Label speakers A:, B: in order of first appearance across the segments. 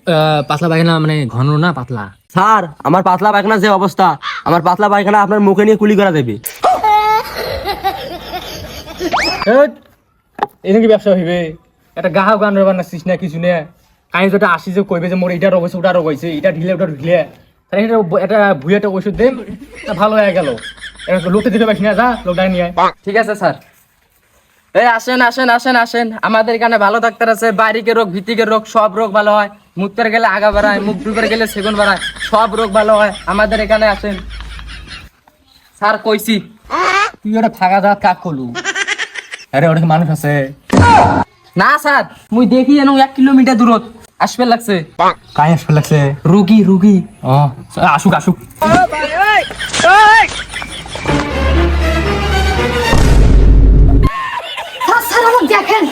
A: পাতলা পায়খানা মানে ঘন না পাতলা?
B: স্যার আমার পাতলা পায়খানা যে অবস্থা, আমার পাতলা পায়খানা আপনার মুখে নিয়ে কুলি করা দেবে।
A: এই নাকি ব্যবসা হইবে? একটা গাহক গান বানাচ্ছিস না কিছু না, কাই যেটা আসি যে কইবে যে মোর এটা রোগ হয়েছে ওটা রোগ হয়েছে, এটা ঢিলে ওটা ঢিলে, তাহলে এটা ভুয়ে একটা ওষুধ দেন, তা ভালো হয়ে গেল। লোকটা দিতে পারিস না, যা লোকটা নিয়ে আয়।
C: ঠিক আছে স্যার। এই আসেন আসেন আসেন আসেন, আমাদের এখানে ভালো ডাক্তার আছে, বাইরের রোগ ভিতরের রোগ সব রোগ ভালো হয়। মুখ পেরে গেলে আগা বাড়ায়, মুখ ডুবে গেলে সেগুন বাড়ায়, সব রোগ ভালো হয় আমাদের এখানে আসেন। স্যার কইছি।
A: তুই ওটা ফাঁকা দাঁত কাক করলু? আরে ওটা কি মানুষ আছে?
C: না স্যার, মুই দেখি যেন 1 কিলোমিটার দূরত আসবে লাগছে।
A: কাই আসবে লাগছে?
C: রুগী রুগী।
A: ও আসুক আসুক।
D: স্যার আমাকে দেখেন।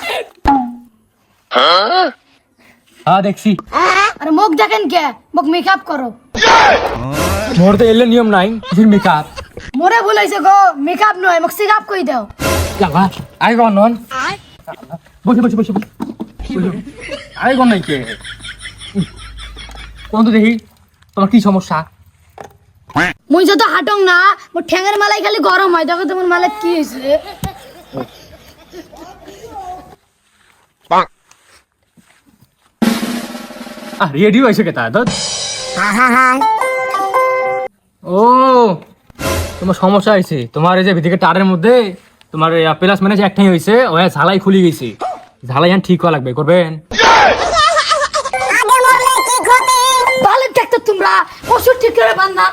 A: হ্যাঁ দেখছি।
D: আরে মুখ দেখেন কে? মুখ মেকআপ করো।
A: মোর তো এলে নিয়ম নাই কিসের মেকআপ।
D: মোরে বলেছে গো মেকআপ নয়, মুখ সিকাপ কই দাও।
A: লাগা আই গন নন বসে বসে বসে আই গন নাই কে কোন তো দেখি তোমার কি সমস্যা?
D: মুই যত হাঁটং না, মোর ঠ্যাঙের মালাই খালি গরম হয়। দেখো তোমার মালাই কি হয়েছে?
A: রেডি হয়েছে কেতা দুধ? ও তোমার সমস্যা হয়েছে, তোমার এই যে ভিতরে টারের মধ্যে তোমার প্লাস মানে একটাই হয়েছে, ওই ঝালাই খুলে গেছে, ঝালাই ঠিক করা লাগবে, করবেন?
D: ভালো ডাক্তার তোমরা, ওষুধ ঠিক করে বান্ধা।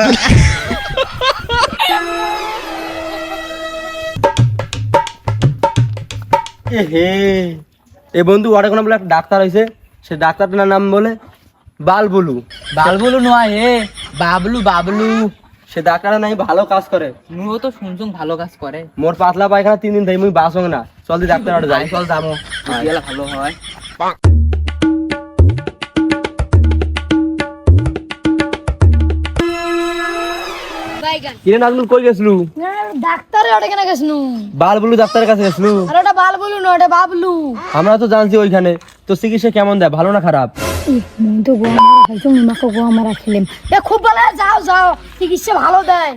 B: এ বন্ধু ওটা কোনো বলে একটা ডাক্তার হয়েছে, সে ডাক্তারটার নাম বলে বালবুলু।
C: বাবলু নয় হে, বাবলু বাবলু।
B: সে ডাক্তারটা নাই ভালো কাজ করে।
C: মুও তো শুনছুন ভালো কাজ করে।
B: মোর পাতলা পায়খানা 3 দিন ধরে মুই বাসং না, চল দি ডাক্তার ওটা যাই।
C: চল যাবো, গেলে ভালো হয়।
B: কিরে নাজমুল কই গেছলু?
D: ডাক্তারে ওটা কেন গেছনু?
B: বালবুলু ডাক্তারের কাছে গেছলু?
D: আর ওটা বাল বলু না, ওটা বাবলু।
B: আমরা তো জানছি ওইখানে। তো চিকিৎসা কেমন দেয়, ভালো না খারাপ?
D: মুই তো গোয়া মারা খাইছো, মাকে গোয়া মারা খেলাম। এ খুব ভালো, যাও যাও, চিকিৎসা ভালো দেয়।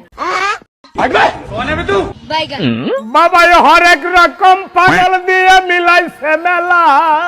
E: বাবা হরেক রকম পাগল দিয়ে মিলাইছে মেলা।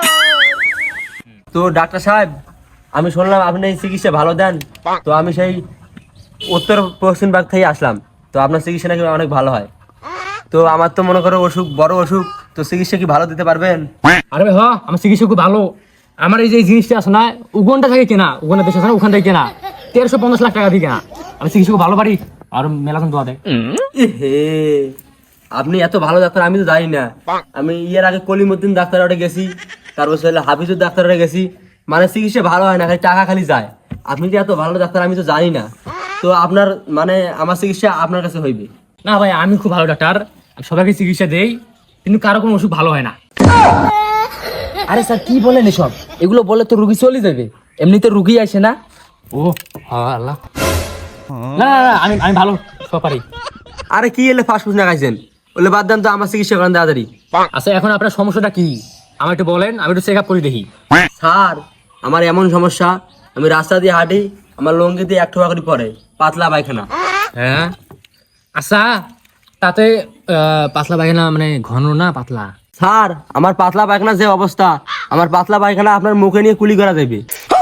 B: তো ডাক্তার সাহেব, আমি শুনলাম আপনি এই চিকিৎসা ভালো দেন, তো আমি সেই উত্তর পশ্চিম ভাগ থেকে আসলাম। তো আপনার চিকিৎসা নাকি অনেক ভালো হয়। তো আমার তো মনে করো অসুখ, বড় অসুখ, তো চিকিৎসা কি ভালো দিতে পারবেন?
A: আরে ভাই হ্যাঁ, আমার চিকিৎসা খুব ভালো। আমার এই যে জিনিসটা আছে না, উগনটা থেকে কেনা, উগনের দেশ আছে না, ওখান থেকে কেনা, 1350 লাখ টাকা দিয়ে কেনা। আমি চিকিৎসা খুব ভালো পারি, আর মেলাজন দোয়া দেয়।
B: হে, আপনি এত ভালো ডাক্তার আমি তো জানি না। আমি এর আগে কলিমুদ্দিন ডাক্তার ওটা গেছি, তারপর হলো হাফিজুর ডাক্তার ওটা গেছি, মানে চিকিৎসা ভালো হয় না, খালি টাকা খালি যায়। আপনি যে এত ভালো ডাক্তার আমি তো জানি না। তো আপনার মানে আমার চিকিৎসা আপনার কাছে হইবে?
A: না ভাই, আমি খুব ভালো ডাক্তার, আমি সবাইকে চিকিৎসা দেই, কিন্তু কারো কোনো অসুখ ভালো হয় না।
C: আরে স্যার কি বলেন এসব? এগুলো বলে তো রুগী চলে যাবে, এমনিতে রুগী আসে না।
A: ও হ্যাঁ আল্লাহ, না না না, আমি ভালো সব পারি।
B: আরে কি এলে ফাস্ট ফুড না খাইছেন, বলে বাদ দেন তো, আমার চিকিৎসা করেন তাড়াতাড়ি।
A: আচ্ছা এখন আপনার সমস্যাটা কি আমার একটু বলেন, আমি একটু চেক আপ করে দেখি।
B: স্যার আমার এমন সমস্যা, আমি রাস্তা দিয়ে হাঁটি, আমার লঙ্গি দিয়ে 1 ঠোকা করে পড়ে, পাতলা পায়খানা।
A: হ্যাঁ আচ্ছা, তাতে পাতলা পায়খানা মানে ঘন না পাতলা?
B: স্যার আমার পাতলা পায়খানা যে অবস্থা, আমার পাতলা পায়খানা আপনার মুখে নিয়ে কুলি করা দেবে।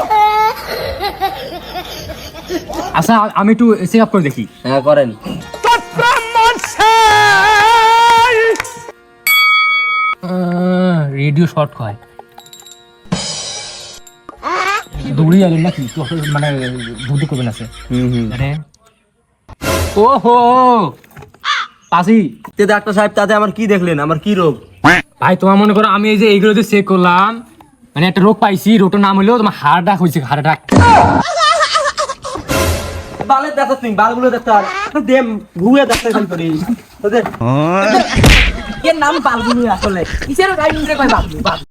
A: আচ্ছা আমি একটু চেক আপ করে দেখি।
B: হ্যাঁ করেন।
A: রেডিও শর্ট হয়, দৌড়ি গেল নাকি তো, মানে বুদ্ধি করবেন আছে মানে। ও হো পাশি
B: তে ডাক্তার সাহেব, তাতে আমার কি দেখলেন, আমার কি রোগ?
A: ভাই তোমার মনে করো আমি এই যে এইগুলো যে চেক করলাম, মানে একটা রোগ পাইছি, রোগটার নাম হলো তোমার হার্ট অ্যাটাক হয়েছে, হার্ট অ্যাটাক।
B: বালের ডাক্তার তুমি, বালগুলো ডাক্তার দেম ঘুরে ডাক্তার খালি করি তোদের।
C: এর নাম বাবলু আসলে, কিসের গাড়ি কয় বাবলু?